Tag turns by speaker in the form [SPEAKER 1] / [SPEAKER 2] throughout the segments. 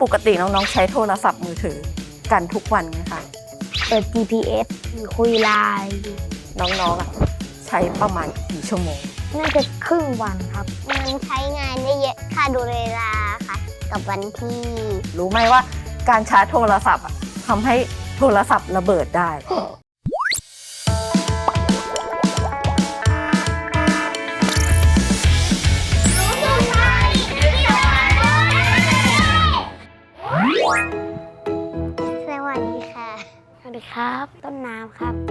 [SPEAKER 1] ปกติน้องๆใช้โทรศัพท์มือถือกันทุกวันไหมคะ
[SPEAKER 2] เปิด GPS คุยไลน์
[SPEAKER 1] น้องๆใช้ประมาณกี่ชั่วโมง
[SPEAKER 2] น่าจะครึ่งวันครับ
[SPEAKER 3] มันใช้งานได้เยอะค่ะดูเวลาค่ะกับวันที่
[SPEAKER 1] รู้ไหมว่าการชาร์จโทรศัพท์ทำให้โทรศัพท์ระเบิดได้
[SPEAKER 3] สวัสดีค่ะ
[SPEAKER 2] สวัสดีครับต้นน้ำครับ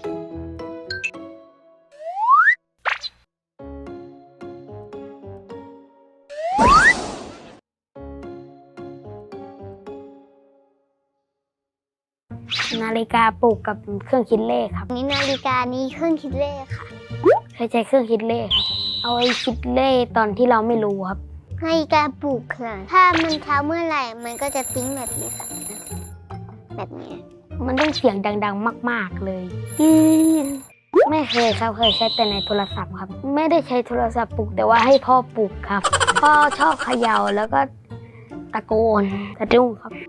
[SPEAKER 2] นาฬิกาปลุกกับเครื่องคิดเลขครับ
[SPEAKER 3] นี่นาฬิกานี้เครื่องคิดเลขค่ะ
[SPEAKER 2] เคยใช้เครื่องคิดเลขเอาไว้คิดเลขตอนที่เราไม่รู้ครับ
[SPEAKER 3] นาฬิกาปลุกค่ะถ้ามันเช้าเมื่อไหร่มันก็จะติ้งแบบนี้ค่ะแบบนี้
[SPEAKER 2] มันต้องเสียงดังๆมากๆเลยไม่เคยครับเคยใช้แต่ในโทรศัพท์ครับไม่ได้ใช้โทรศัพท์ปลุกแต่ว่าให้พ่อปลุกครับพ่อชอบเขย่าแล้วก็ตะโกนสะดุ้งครับ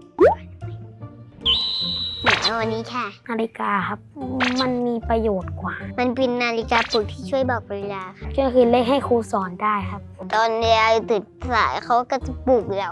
[SPEAKER 3] วันนี้ค่ะ
[SPEAKER 2] นาฬิกาครับมันมีประโยชน์กว่า
[SPEAKER 3] มันเป็นนาฬิกาปลุกที่ช่วยบอกเวลาค่ะ
[SPEAKER 2] ก็คือเลขให้ครูสอนได้ครับ
[SPEAKER 3] ตอนเรียนตื่นสายเขาก็จะปลุกเรา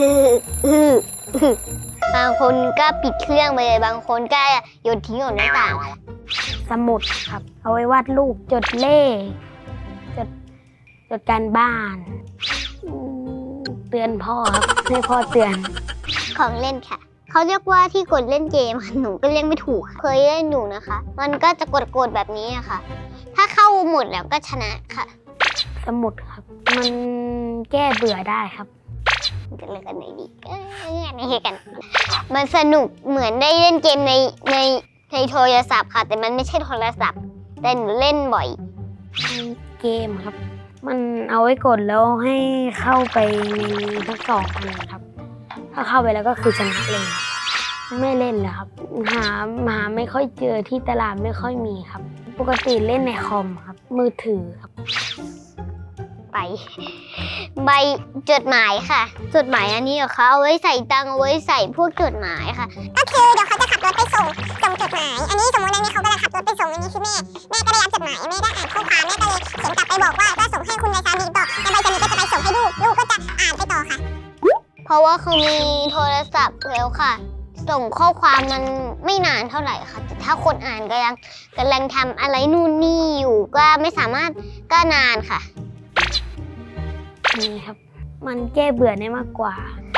[SPEAKER 3] บางคนก็ปิดเครื่องไปเลยบางคนก็โยนทิ้งออกหน้าต่าง
[SPEAKER 2] สมุดครับเอาไว้วาดรูปจดเลขจดการบ้านเตือนพ่อครับให้พ่อเตือน
[SPEAKER 3] ของเล่นค่ะเขาเรียกว่าที่กดเล่นเกมหนูก็เรียกไม่ถูกเคยเล่นอยู่นะคะมันก็จะกดแบบนี้ค่ะถ้าเข้าหมดแล้วก็ชนะค่ะ
[SPEAKER 2] สมุดครับมันแก้เบื่อได้ครับ
[SPEAKER 3] จะเล่นกันไหนดีนี่กันมันสนุกเหมือนได้เล่นเกมในโทรศัพท์ค่ะแต่มันไม่ใช่โทรศัพท์แต่หนูเล่นบ่อย
[SPEAKER 2] เกมครับมันเอาไว้กดแล้วให้เข้าไปในทั้งสองอันครับถ้าเข้าไปแล้วก็คือชนะเลยไม่เล่นเลยครับหาไม่ค่อยเจอที่ตลาดไม่ค่อยมีครับปกติเล่นในคอมครับมือถือครับ
[SPEAKER 3] ใบจดหมายค่ะจดหมายอันนี้เขาเอาไว้ใส่ตังเอาไว้ใส่พวกจดหมายค่ะก็คือเดี๋ยวเขาจะขับรถไปส่งจดหมายอันนี้สมมติอันนี้เขากำลังขับรถไปส่งอันนี้คือแม่ก็ได้รับจดหมายแม่ได้อ่านข้อความแม่ก็เลยเขียนกลับไปบอกว่าก็ส่งให้คุณนายสามีต่อในใบสามีก็จะไปส่งให้ลูกก็จะอ่านไปต่อค่ะเพราะว่าเขามีโทรศัพท์แล้วค่ะส่งข้อความมันไม่นานเท่าไหร่ค่ะแต่ถ้าคนอ่านกำลังทำอะไรนู่นนี่อยู่ก็ไม่สามารถก็นานค่ะ
[SPEAKER 2] นี่ครับมันแก้เบื่อได้มากกว่า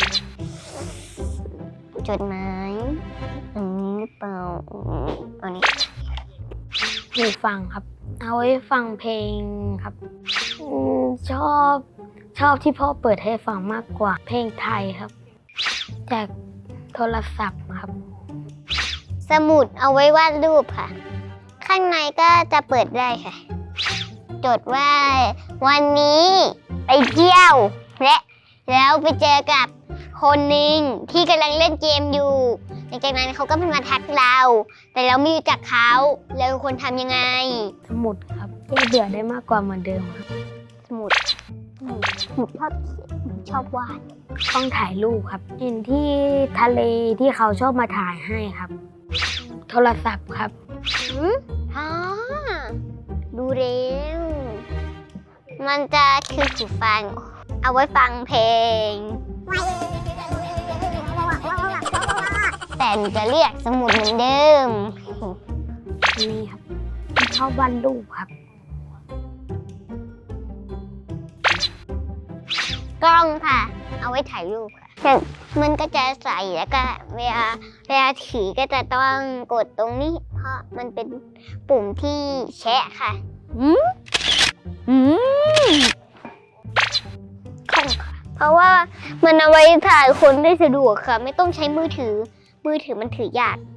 [SPEAKER 3] จดหมายอันนี้หรือเปล่าอันนี้
[SPEAKER 2] หูฟังครับเอาไว้ฟังเพลงครับชอบที่พ่อเปิดให้ฟังมากกว่าเพลงไทยครับจากโทรศัพท์ครับ
[SPEAKER 3] สมุดเอาไว้วาดรูปค่ะข้างในก็จะเปิดได้ค่ะจดว่าวันนี้ไปเที่ยวแล้วไปเจอกับคนหนึ่งที่กำลังเล่นเกมอยู่หลังจากนั้นเขาก็มาทักเราแต่เราไม่รู้จักเขาเราควรทำยังไง
[SPEAKER 2] สมุดครับแก้เบื่อได้มากกว่าเหมือนเดิมครับ
[SPEAKER 3] สมุดชอบวาด
[SPEAKER 2] ต้องถ่ายรูปครับเห็นที่ทะเลที่เขาชอบมาถ่ายให้ครับโทรศัพท์ครับ
[SPEAKER 3] ดูเร็วมันจะคือหูฟังเอาไว้ฟังเพลงแต่จะเรียกสมุดเหมือนเดิม
[SPEAKER 2] นี่ครับชอบวาดรูปครับ
[SPEAKER 3] กล้องค่ะเอาไว้ถ่ายรูปค่ะมันก็จะใส่แล้วก็เวลาถือก็จะต้องกดตรงนี้เพราะมันเป็นปุ่มที่แชะค่ะกล้องค่ะเพราะว่ามันเอาไว้ถ่ายคนได้สะดวกค่ะไม่ต้องใช้มือถือมันถือยาก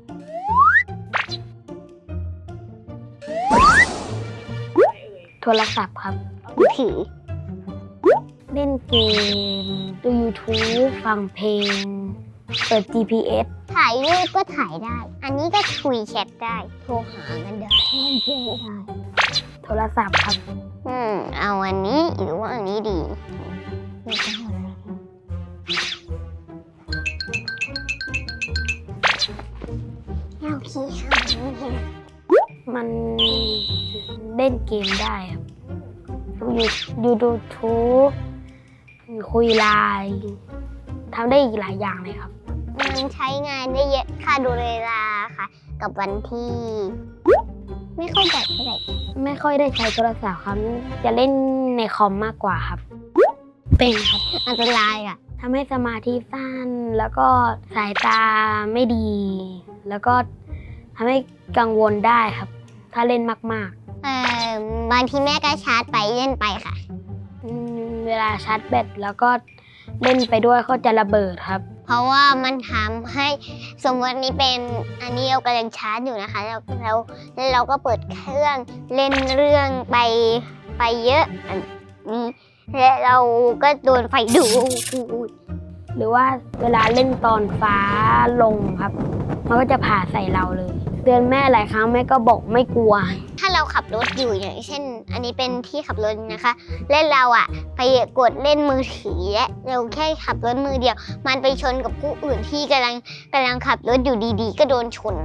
[SPEAKER 2] โทรศัพท์ครับ
[SPEAKER 3] มือถือ
[SPEAKER 2] เล่นเกมดู YouTube ฟังเพลงเปิด GPS
[SPEAKER 3] ถ่ายรูปก็ถ่ายได้อันนี้ก็คุยแชทได้โทรหากันได้
[SPEAKER 2] โทรศัพท์ครับ
[SPEAKER 3] เอาอันนี้หรือว่าอันนี้ดีพี่
[SPEAKER 2] มันเล่นเกมได้ครับยูทูบคุยไลน์ทำได้อีกหลายอย่างเลยครับ
[SPEAKER 3] มันใช้งานได้เยอะค่ะดูเวลาค่ะ กับวันที่ ไม่เข้าใจเท่าไหร่
[SPEAKER 2] ไม่ค่อยได้ใช้โทรศัพท์ครับจะเล่นในคอมมากกว่าครับ เป็นครับ
[SPEAKER 3] อันตรายอ่ะ
[SPEAKER 2] ทำให้สมาธิสั้นแล้วก็สายตาไม่ดี แล้วก็ทำให้กังวลได้ครับ ถ้าเล่นมาก
[SPEAKER 3] บางทีแม่ก็ชาร์จไปเล่นไปค่ะ
[SPEAKER 2] ๆเวลาชาร์จแบตแล้วก็เล่นไปด้วยก็จะระเบิดครับ
[SPEAKER 3] เพราะว่ามันทำให้สมมตินี้เป็นอันนี้เรากำลังชาร์จอยู่นะคะแล้วเราก็เปิดเครื่องเล่นเรื่องไปเยอะอันนี้และเราก็โดนไฟดูด
[SPEAKER 2] หรือว่าเวลาเล่นตอนฟ้าลงครับ มันก็จะผ่าใส่เราเลยเตือนแม่หลายครั้งแม่ก็บอกไม่กลัว
[SPEAKER 3] ถ้าเราขับรถอยู่อย่างเช่น อันนี้เป็นที่ขับรถนะคะและเราอะไปกดเล่นมือถือและเราแค่ขับรถมือเดียว มันไปชนกับผู้อื่นที่กำลังขับรถอยู่ดีๆ ก็โดนชน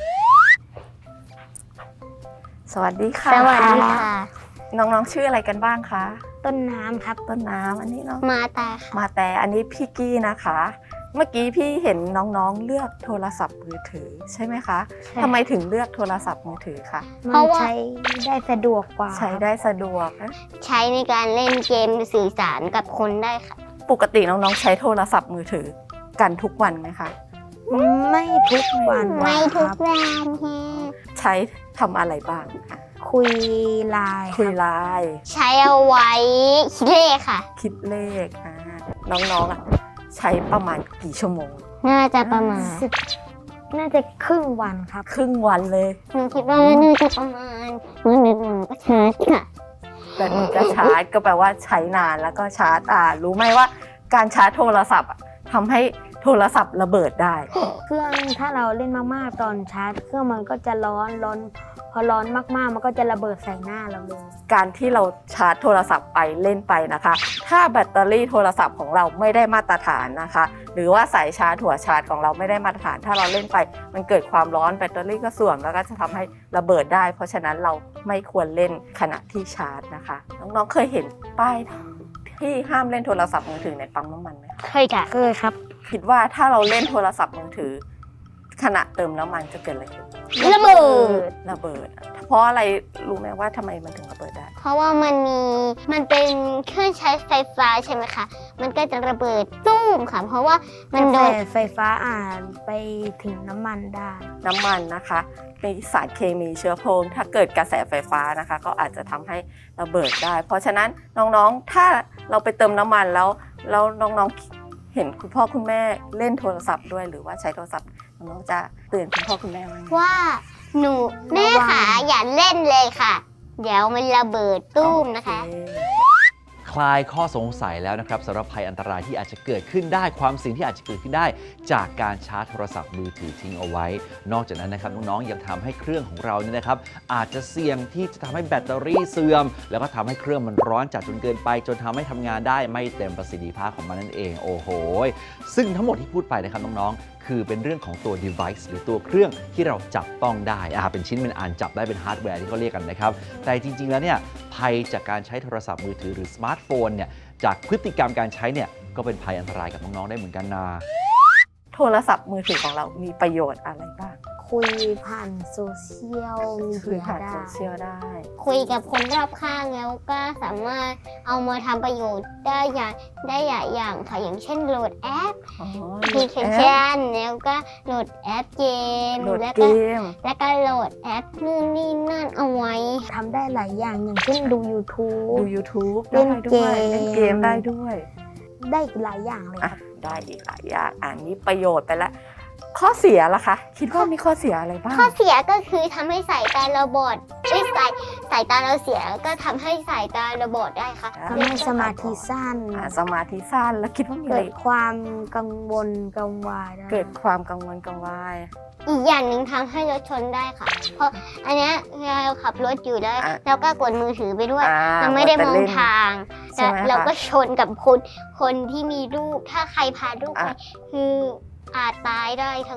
[SPEAKER 1] สวัสดีค่ะ
[SPEAKER 3] สวัสดีค่ะ
[SPEAKER 1] น้องๆชื่ออะไรกันบ้างคะ
[SPEAKER 2] ต้นน้ำครับ
[SPEAKER 1] ต้นน้ำอันนี้เนาะ
[SPEAKER 3] มาตาค่ะ
[SPEAKER 1] มาแต่อันนี้พี่กี้นะคะ เมื่อกี้พี่เห็นน้องๆเลือกโทรศัพท์มือถือใช่ไหมคะทำไมถึงเลือกโทรศัพท์มือถือคะ
[SPEAKER 2] มันใช้ได้สะดวกกว่า
[SPEAKER 1] ใช้ได้สะดวกนะ
[SPEAKER 3] ใช้ในการเล่นเกมสื่อสารกับคนได้ค่ะ
[SPEAKER 1] ปกติน้องๆใช้โทรศัพท์มือถือกันทุกวันไหมคะ
[SPEAKER 2] ไม่ทุกวัน
[SPEAKER 3] ไม่ทุก
[SPEAKER 2] ครับ
[SPEAKER 3] วันแฮะ
[SPEAKER 1] ใช้ทำอะไรบ้างคะ
[SPEAKER 2] คุยไลน์
[SPEAKER 1] คุยไลน์
[SPEAKER 3] ใช้เอาไว้คิดเลขค่ะ
[SPEAKER 1] คิดเลขน้องๆใช้ประมาณกี่ชั่วโมง
[SPEAKER 3] น่าจะประมาณ
[SPEAKER 2] น่าจะครึ่งวันครับ
[SPEAKER 1] ครึ่งวันเลย
[SPEAKER 3] หนูคิดว่าน่าจะประมาณมื้อหนึ่งหนูก็ชาร์จค่ะ
[SPEAKER 1] แต่นี่ก็ชาร์จก็แปลว่าใช้นานแล้วก็ชาร์จรู้ไหมว่าการชาร์จโทรศัพท์ทำให้โทรศัพท์ระเบิดได้
[SPEAKER 2] เครื่องถ้าเราเล่นมากๆตอนชาร์จเครื่องมันก็จะร้อนพอร้อนมากๆมันก็จะระเบิดใส่หน้าเราเลย
[SPEAKER 1] การที่เราชาร์จโทรศัพท์ไปเล่นไปนะคะ ถ้าแบตเตอรี่โทรศัพท์ของเราไม่ได้มาตรฐานนะคะ หรือว่าสายชาร์จหัวชาร์จของเราไม่ได้มาตรฐาน ถ้าเราเล่นไปมันเกิดความร้อนแบตเตอรี่ก็เสื่อมแล้วก็จะทำให้ระเบิดได้ เพราะฉะนั้นเราไม่ควรเล่นขณะที่ชาร์จนะคะน้องๆเคยเห็นป้ายที่ห้ามเล่นโทรศัพท์มือถือในปั๊มน้ำมันไหม
[SPEAKER 3] เคยค่ะ
[SPEAKER 2] เคยครับ
[SPEAKER 1] คิดว่าถ้าเราเล่นโทรศัพท์มือถือขณะเติมน้ำมันจะเกิดอะไรขึ้น
[SPEAKER 3] ระเบิด
[SPEAKER 1] ระเบิด เพราะอะไรรู้ไหมว่าทำไมมันถึงระเบิดได้
[SPEAKER 3] เพราะว่ามันเป็นเครื่องใช้ไฟฟ้าใช่ไหมคะ มันก็จะระเบิดตุ้มค่ะ เพราะว่ามันโดน
[SPEAKER 2] ไฟฟ้าอ่านไปถึงน้ำมันได้
[SPEAKER 1] น้ำมันนะคะมีสารเคมีเชื้อเพลิงถ้าเกิดกระแสไฟฟ้านะคะ ก็อาจจะทำให้ระเบิดได้ เพราะฉะนั้นน้องๆถ้าเราไปเติมน้ำมันแล้วน้องๆเห็นคุณพ่อคุณแม่เล่นโทรศัพท์ด้วยหรือว่าใช้โทรศัพท์น้องๆจะเตือนคุณพ่อคุณแม่ไหม
[SPEAKER 3] ว่าหนูแม่ขาอย่าเล่นเลยค่ะ เดี๋ยวมันระเบิดตุ้มนะคะ
[SPEAKER 1] โอเค
[SPEAKER 4] คลายข้อสงสัยแล้วนะครับสำหรับภัยอันตรายที่อาจจะเกิดขึ้นได้ความเสี่ยงที่อาจจะเกิดขึ้นได้ จากการชาร์จโทรศัพท์มือถือทิ้งเอาไว้ นอกจากนั้นนะครับน้องๆยังทำให้เครื่องของเราเนี่ยนะครับอาจจะเสี่ยงที่จะทำให้แบตเตอรี่เสื่อม แล้วก็ทำให้เครื่องมันร้อนจัดจนเกินไปจนทำให้ทำงานได้ไม่เต็มประสิทธิภาพของมันนั่นเองโอ้โหซึ่งทั้งหมดที่พูดไปนะครับน้องๆคือเป็นเรื่องของตัว device หรือตัวเครื่องที่เราจับต้องได้เป็นชิ้นเป็นอันจับได้เป็นฮาร์ดแวร์ที่เขาเรียกกันนะครับแต่จริงๆแล้วเนี่ยภัยจากการใช้โทรศัพท์มือถือหรือสมาร์ทโฟนเนี่ยจากพฤติกรรมการใช้เนี่ยก็เป็นภัยอันตรายกับน้องๆได้เหมือนกันนะ
[SPEAKER 1] โทรศัพท์มือถือของเรามีประโยชน์อะไรบ้าง
[SPEAKER 2] คุยผ่านโซเชียลมี
[SPEAKER 1] คุ
[SPEAKER 2] เดี
[SPEAKER 1] ย
[SPEAKER 2] ย
[SPEAKER 1] ผ่าน
[SPEAKER 2] ได้
[SPEAKER 1] โซเชียลได้
[SPEAKER 3] คุยกับคนรอบข้างแล้วก็สามารถเอามาทำประโยชน์ได้อย่างอย่างค่ะอย่างเช่นโหลดแอป แอปพลิเคชันแล้วก็โหลดแอปเกม
[SPEAKER 1] โหลด
[SPEAKER 3] แล้ว
[SPEAKER 1] เก
[SPEAKER 3] ก็
[SPEAKER 1] ม
[SPEAKER 3] โหลดแอปนู่นนี่นั่นเอาไว้
[SPEAKER 2] ทำได้หลายอย่างอย่างเช่นดู YouTube
[SPEAKER 1] ดู YouTube
[SPEAKER 2] เล่น
[SPEAKER 1] ได้ด้วย
[SPEAKER 2] เกม
[SPEAKER 1] เล่นเกมได้ด้วย
[SPEAKER 2] ได้อีกหลายอย่างเลยครับ
[SPEAKER 1] ได้อีกหลายอย่างนี้ประโยชน์ไปแล้ว ข้อเสียล่ะคะ คิดว่ามีข้อเสียอะไรบ้าง
[SPEAKER 3] ข้อเสียก็คือทำให้สายตาเราบอดสายตาเราเสียก็ทำให้สายตาเราบอดได้ค่ะ
[SPEAKER 2] ทำให้สมาธิสั้น
[SPEAKER 1] สมาธิสั้นแล้วคิดว่ามีอะ
[SPEAKER 2] เกิ
[SPEAKER 1] ไร
[SPEAKER 2] ดความกังวลกังวายได้
[SPEAKER 1] เกิดความกังวลกังวาย
[SPEAKER 3] อีกอย่างหนึ่งทำให้รถชนได้ค่ะ เพราะอันเนี้ยเราขับรถอยู่แล้วแล้วก็กดมือถือไปด้วยเราไม่ได้มองทาง
[SPEAKER 1] ใช่ไหมคะ
[SPEAKER 3] เราก็ชนกับคนที่มีลูกถ้าใครพาลูกไปคืออาจตายได้ทั้ง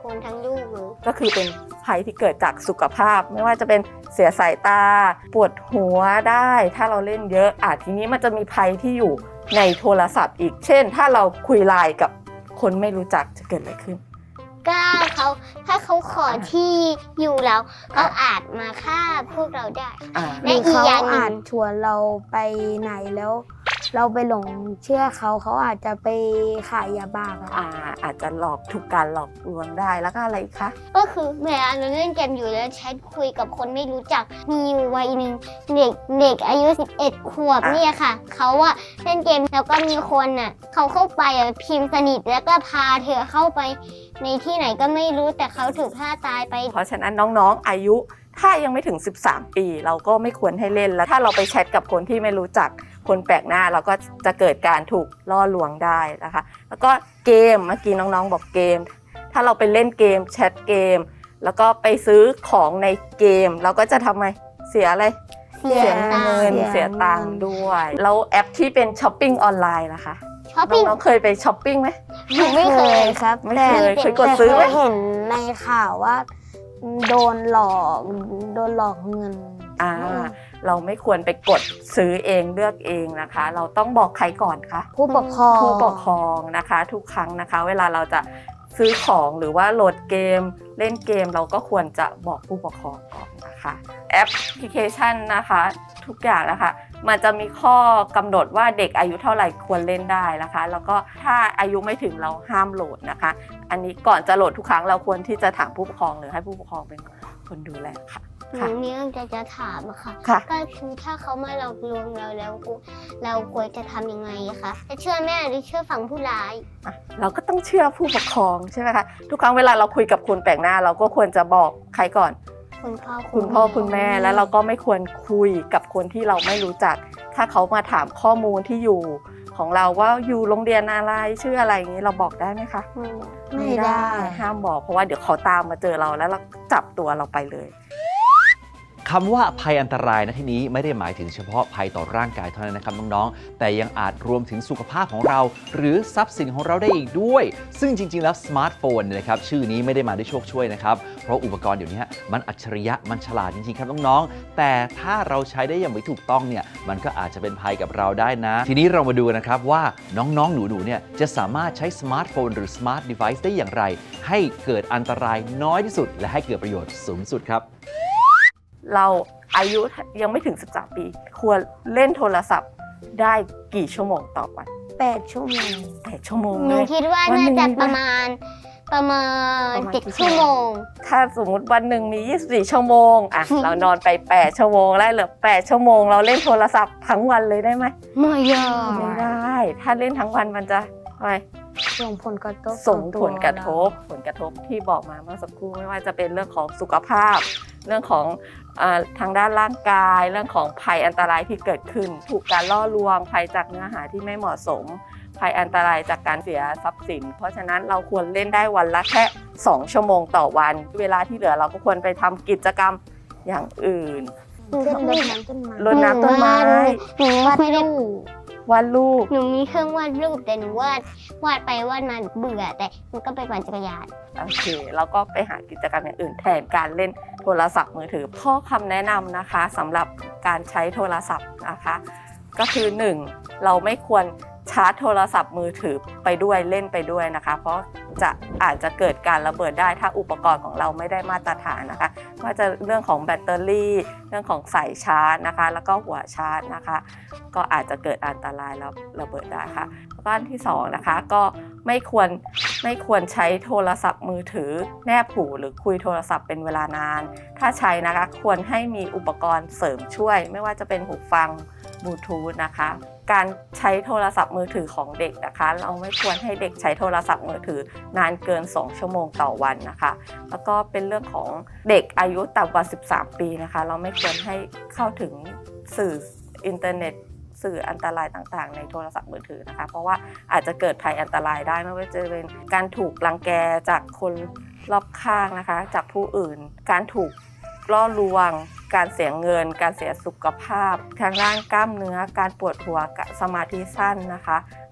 [SPEAKER 3] คนทั้งลูกเลย
[SPEAKER 1] ก็คือเป็นภัยที่เกิดจากสุขภาพ ไม่ว่าจะเป็นเสียสายตาปวดหัวได้ถ้าเราเล่นเยอะทีนี้มันจะมีภัยที่อยู่ในโทรศัพท์อีก เช่น ถ้าเราคุยไลน์กับคนไม่รู้จักจะเกิดอะไรขึ้น
[SPEAKER 3] ก็ถ้าเขาขอที่อยู่เราก็อาจมาฆ่าพวกเราได้
[SPEAKER 2] หรือเขาอาจชวนเราไปไหนแล้ว เราไปหลงเชื่อเขาอาจจะไปขายยาบ้าครับ
[SPEAKER 1] อาจจะหลอกถูกการหลอกลวงได้แล้วก็อะไรอีกคะ
[SPEAKER 3] ก็คือเวลาเราเล่นเกมอยู่แล้วแชทคุยกับคนไม่รู้จักมีอยู่วัยหนึ่งเด็กอายุ11 ขวบเนี่ยค่ะเขาอะเล่นเกมแล้วก็มีคนน่ะเขาเข้าไปพิมพ์สนิทแล้วก็พาเธอเข้าไปในที่ไหนก็ไม่รู้แต่เขาถูกฆ่าตายไป
[SPEAKER 1] เพราะฉะนั้นน้องๆอายุถ้ายังไม่ถึง13 ปีเราก็ไม่ควรให้เล่นแล้วถ้าเราไปแชทกับคนที่ไม่รู้จักคนแปลกหน้าเราก็จะเกิดการถูกล่อลวงได้นะคะแล้วก็เกมเมื่อกี้น้องๆบอกเกมถ้าเราไปเล่นเกมแชทเกมแล้วก็ไปซื้อของในเกมเราก็จะทำไมเสียอะไรเสียเงินเสียตังค์ด้วยแล้วแอปที่เป็นช้อปปิ้งออนไลน์ล่ะคะ
[SPEAKER 3] ช้อปปิ้ง
[SPEAKER 1] น้องๆเคยไปช้อปปิ้งไหม
[SPEAKER 3] หนูไม่เคย
[SPEAKER 2] ครับ
[SPEAKER 1] ไม่เคยกดซื้อไหม
[SPEAKER 2] แต่เคยเห็นในข่าวว่าโดนหลอกเงิน
[SPEAKER 1] เราไม่ควรไปกดซื้อเองเลือกเองนะคะ เราต้องบอกใครก่อนคะ
[SPEAKER 2] ผู้ปกครอง
[SPEAKER 1] ผู้ปกครองนะคะทุกครั้งนะคะเวลาเราจะซื้อของหรือว่าโหลดเกมเล่นเกมเราก็ควรจะบอกผู้ปกครองก่อนนะคะแอปพลิเคชันนะคะทุกอย่างนะคะมันจะมีข้อกำหนดว่าเด็กอายุเท่าไหร่ควรเล่นได้นะคะแล้วก็ถ้าอายุไม่ถึงเราห้ามโหลดนะคะอันนี้ก่อนจะโหลดทุกครั้งเราควรที่จะถามผู้ปกครองหรือให้ผู้ปกครองเป็นคนดูแลค่ะ
[SPEAKER 3] หนูมีเรื่องจะถามอะค่ะ
[SPEAKER 1] ค่ะ
[SPEAKER 3] ก็คือถ้าเขามาหลอกลวงเราแล้วเราควรจะทำยังไงอะคะจะเชื่อแม่หรือเชื่อฝั่งผู้ร้าย
[SPEAKER 1] เราก็ต้องเชื่อผู้ปกครองใช่ไหมคะทุกครั้งเวลาเราคุยกับคนแปลกหน้าเราก็ควรจะบอกใครก่อน
[SPEAKER 3] คุณพ่อ
[SPEAKER 1] คุณพ่อคุณแม่แล้วเราก็ไม่ควรคุยกับคนที่เราไม่รู้จัก ถ้าเขามาถามข้อมูลที่อยู่ของเราว่าอยู่โรงเรียนอะไรชื่ออะไรอย่างนี้เราบอกได้ไหมคะ
[SPEAKER 2] ไม่ได้
[SPEAKER 1] ห้ามบอกเพราะว่าเดี๋ยวเขาตามมาเจอเราแล้วเราจับตัวเราไปเลย
[SPEAKER 4] คำว่าภัยอันตรายในที่นี้ไม่ได้หมายถึงเฉพาะภัยต่อร่างกายเท่านั้นนะครับน้องๆแต่ยังอาจรวมถึงสุขภาพของเรา หรือทรัพย์สินของเราได้อีกด้วย ซึ่งจริงๆแล้วสมาร์ทโฟนเนี่ยนะครับชื่อนี้ไม่ได้มาด้วยโชคช่วยนะครับเพราะอุปกรณ์เดี๋ยวนี้มันอัจฉริยะมันฉลาดจริงๆครับน้องๆแต่ถ้าเราใช้ได้อย่างไม่ถูกต้องเนี่ยมันก็อาจจะเป็นภัยกับเราได้นะ ทีนี้เรามาดูนะครับว่าน้องๆหนูๆเนี่ยจะสามารถใช้สมาร์ทโฟนหรือสมาร์ทเดไวซ์ได้อย่างไรให้เกิดอันตรายน้อยที่สุดและให้เกิดประโยชน์สูงสุดครับ
[SPEAKER 1] เราอายุยังไม่ถึง13 ปีควรเล่นโทรศัพท์ได้กี่ชั่วโมงต่อวัน
[SPEAKER 2] 8 ชั่วโมง
[SPEAKER 1] 8 ชั่วโมง
[SPEAKER 3] หนู
[SPEAKER 1] เลย
[SPEAKER 3] คิดว่า
[SPEAKER 1] วันหนึ่
[SPEAKER 3] น่าง จะประมาณ
[SPEAKER 1] ประมาณ
[SPEAKER 3] 7 ชั่วโมง
[SPEAKER 1] ถ้าสมมุติวันหนึ่งมี24 ชั่วโมงเรานอนไป8 ชั่วโมงแล้วเหลือ8 ชั่วโมงเราเล่นโทรศัพท์ทั้งวันเลยได้ไหม
[SPEAKER 3] ไม่ยอม
[SPEAKER 1] ไม่ได้ ถ้าเล่นทั้งวันมันจะอะไร
[SPEAKER 2] ส่งผลกระทบ
[SPEAKER 1] ส่งผลกระ
[SPEAKER 2] ต่อ
[SPEAKER 1] ทบที่บอกมาเมื่อสักครู่ไม่ว่าจะเป็นเรื่องของสุขภาพ เรื่องของทางด้านร่างกาย เรื่องของภัยอันตรายที่เกิดขึ้น ถูกการล่อลวงภัยจากเนื้อหาที่ไม่เหมาะสม ภัยอันตรายจากการเสียทรัพย์สิน เพราะฉะนั้นเราควรเล่นได้วันละแค่2 ชั่วโมงต่อวัน เวลาที่เหลือเราก็ควรไปทำกิจกรรมอย่างอื่น
[SPEAKER 2] เช่นรดน้ำต้นไม้
[SPEAKER 1] รดน้ำต้นไม้
[SPEAKER 3] หนูไม่ได้
[SPEAKER 1] วาดรูป
[SPEAKER 3] หนูมีเครื่องวาดรูปแต่หนูวาดไปวาดมาเบื่อแต่หนูก็ไปปั่นจักรยาน
[SPEAKER 1] โอเคแล้วก็ไปหากิจกรรมอย่างอื่นแทนการเล่นโทรศัพท์มือถือข้อคำแนะนำนะคะสำหรับการใช้โทรศัพท์นะคะก็คือ 1. เราไม่ควรชาร์จโทรศัพท์มือถือไปด้วยเล่นไปด้วยนะคะเพราะอาจจะเกิดการระเบิดได้ถ้าอุปกรณ์ของเราไม่ได้มาตรฐานนะคะว่าจะเรื่องของแบตเตอรี่เรื่องของสายชาร์จนะคะแล้วก็หัวชาร์จนะคะก็อาจจะเกิดอันตรายแล้วระเบิดได้ค่ะแล้วก็อันที่2นะคะก็ไม่ควรใช้โทรศัพท์มือถือแนบหูหรือคุยโทรศัพท์เป็นเวลานานถ้าใช้นะคะควรให้มีอุปกรณ์เสริมช่วยไม่ว่าจะเป็นหูฟังบลูทูธนะคะการใช้โทรศัพท์มือถือของเด็กนะคะเราไม่ควรให้เด็กใช้โทรศัพท์มือถือนานเกิน2 ชั่วโมงต่อวันนะคะแล้วก็เป็นเรื่องของเด็กอายุต่ำกว่า13 ปีนะคะเราไม่ควรให้เข้าถึงสื่ออินเทอร์เน็ตสื่ออันตรายต่างๆในโทรศัพท์มือถือนะคะเพราะว่าอาจจะเกิดภัยอันตรายได้ไม่ว่าจะเป็นการถูกรังแกจากคนรอบข้างนะคะจากผู้อื่นการถูกล่อลวงการเสียเงินการเสียสุขภาพทางด้านกล้ามเนื้อการปวดหัวสมาธิสั้นนะคะ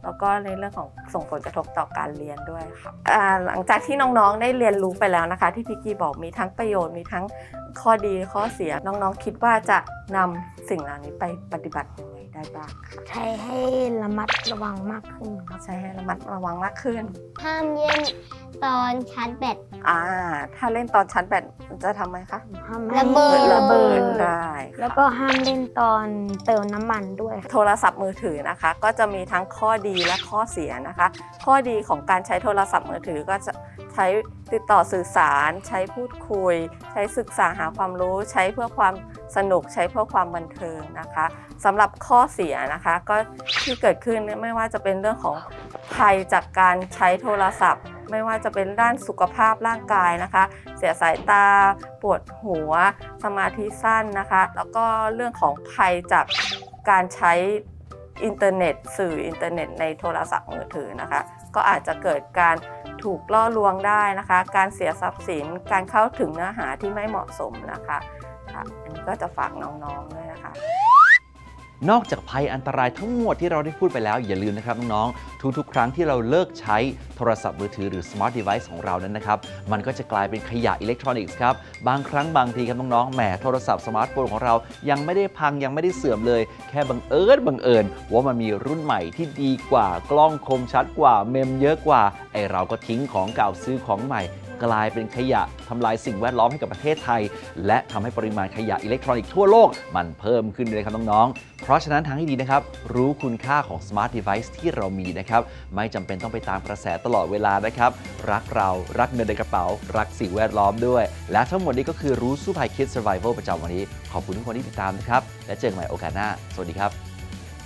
[SPEAKER 1] แล้วก็ในเรื่องของส่งผลกระทบต่อการเรียนด้วยค่ะหลังจากที่น้องๆได้เรียนรู้ไปแล้วนะคะ ที่พี่กี้บอกมีทั้งประโยชน์มีทั้งข้อดีข้อเสียน้องๆคิดว่าจะนำสิ่งเหล่านี้ไปปฏิบัติยังไงได้บ้างคะ
[SPEAKER 2] ใช้ให้ระมัดระวังมากขึ้นครับ
[SPEAKER 1] ใช้ให้ระมัดระวังมากขึ้น
[SPEAKER 3] ห้ามเล่นตอนชาร์จแบต
[SPEAKER 1] ถ้าเล่นตอนชาร์จแบตมันจะทำไมคะ
[SPEAKER 2] ห้ามให้
[SPEAKER 3] ระเบิด
[SPEAKER 1] ระเบิดได้
[SPEAKER 2] แล้วก็ห้ามเล่นตอนเติมน้ำมันด้วยครับ
[SPEAKER 1] โทรศัพท์มือถือนะคะ ก็จะมีทั้งข้อดีและข้อเสียนะคะ ข้อดีของการใช้โทรศัพท์มือถือก็จะใช้ติดต่อสื่อสาร ใช้พูดคุย ใช้ศึกษาหาความรู้ ใช้เพื่อความสนุกใช้เพื่อความบันเทิงนะคะสำหรับข้อเสียนะคะก็ที่เกิดขึ้นไม่ว่าจะเป็นเรื่องของภัยจากการใช้โทรศัพท์ ไม่ว่าจะเป็นด้านสุขภาพร่างกายนะคะ เสียสายตาปวดหัวสมาธิสั้นนะคะ แล้วก็เรื่องของภัยจากการใช้อินเทอร์เน็ตสื่ออินเทอร์เน็ตในโทรศัพท์มือถือนะคะก็อาจจะเกิดการถูกล่อลวงได้นะคะการเสียทรัพย์สินการเข้าถึงเนื้อหาที่ไม่เหมาะสมนะคะค่ะอันนี้ก็จะฝากน้องๆด้วยนะคะ
[SPEAKER 4] นอกจากภัยอันตรายทั้งหมดที่เราได้พูดไปแล้วอย่าลืมนะครับน้องๆทุกๆครั้งที่เราเลิกใช้โทรศัพท์มือถือหรือ smart device ของเรานั้นนะครับมันก็จะกลายเป็นขยะอิเล็กทรอนิกส์ครับบางครั้งบางทีครับน้องๆแหมโทรศัพท์สมาร์ทโฟนของเรายังไม่ได้พังยังไม่ได้เสื่อมเลยแค่บังเอิญว่ามันมีรุ่นใหม่ที่ดีกว่ากล้องคมชัดกว่าเมมเยอะกว่าไอเราก็ทิ้งของเก่าซื้อของใหม่กลายเป็นขยะทำลายสิ่งแวดล้อมให้กับประเทศไทยและทำให้ปริมาณขยะอิเล็กทรอนิกส์ทั่วโลกมันเพิ่มขึ้นเลยครับน้องๆเพราะฉะนั้นทางที่ดีนะครับรู้คุณค่าของ smart device ที่เรามีนะครับไม่จำเป็นต้องไปตามกระแสตลอดเวลานะครับรักเรารักเงินในกระเป๋ารักสิ่งแวดล้อมด้วยและทั้งหมดนี้ก็คือรู้สู้ภัย Kids Survival ประจำวันนี้ขอบคุณทุกคนที่ติดตามนะครับและเจอกันใหม่โอกาสหน้าสวัสดีครับ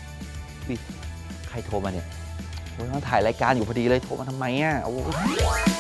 [SPEAKER 4] ใครโทรมาเนี่ยผมกำลังถ่ายรายการอยู่พอดีเลยโทรมาทำไมอ่ะโอ้